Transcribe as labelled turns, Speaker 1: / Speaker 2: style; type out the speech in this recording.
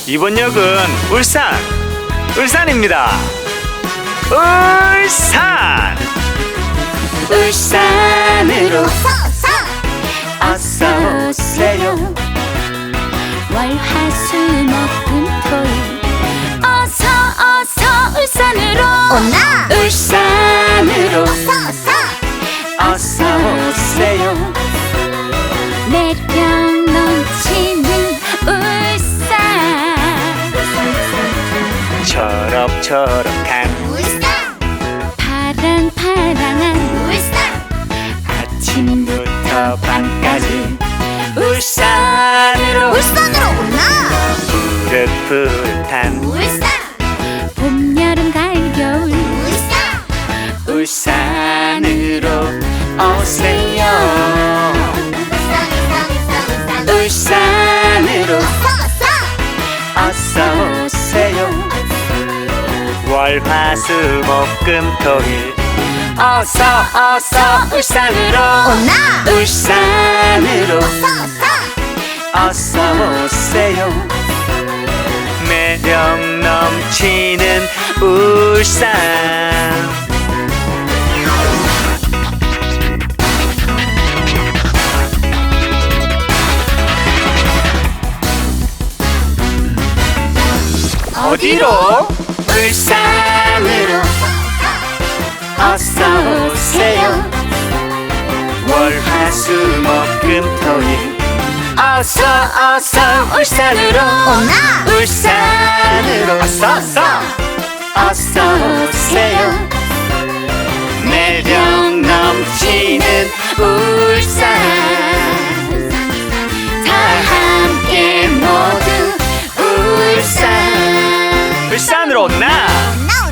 Speaker 1: 이번 역은 울산입니다. 울산으로 어서 오세요.
Speaker 2: 월화수목금토일 어서 울산으로
Speaker 1: 울산으로 어서 오세요.
Speaker 2: 매력 넘치는 울산
Speaker 1: 초록초록한
Speaker 2: 파랑파랑한
Speaker 1: 아침부터 밤까지 울산으로 푸릇푸릇한
Speaker 2: 봄, 여름, 가을, 겨울
Speaker 1: 울산으로 오세요. 울산으로 어서 오세요. 월화수목금토일 어서 울산으로 어서 오세요. 매력 넘치는 울산. 어디로? 울산으로 어서 오세요. 월화수목금토일 어서 울산으로 어서 오세요. 매력 넘치는 울산. 다 함께 모두 울산으로 나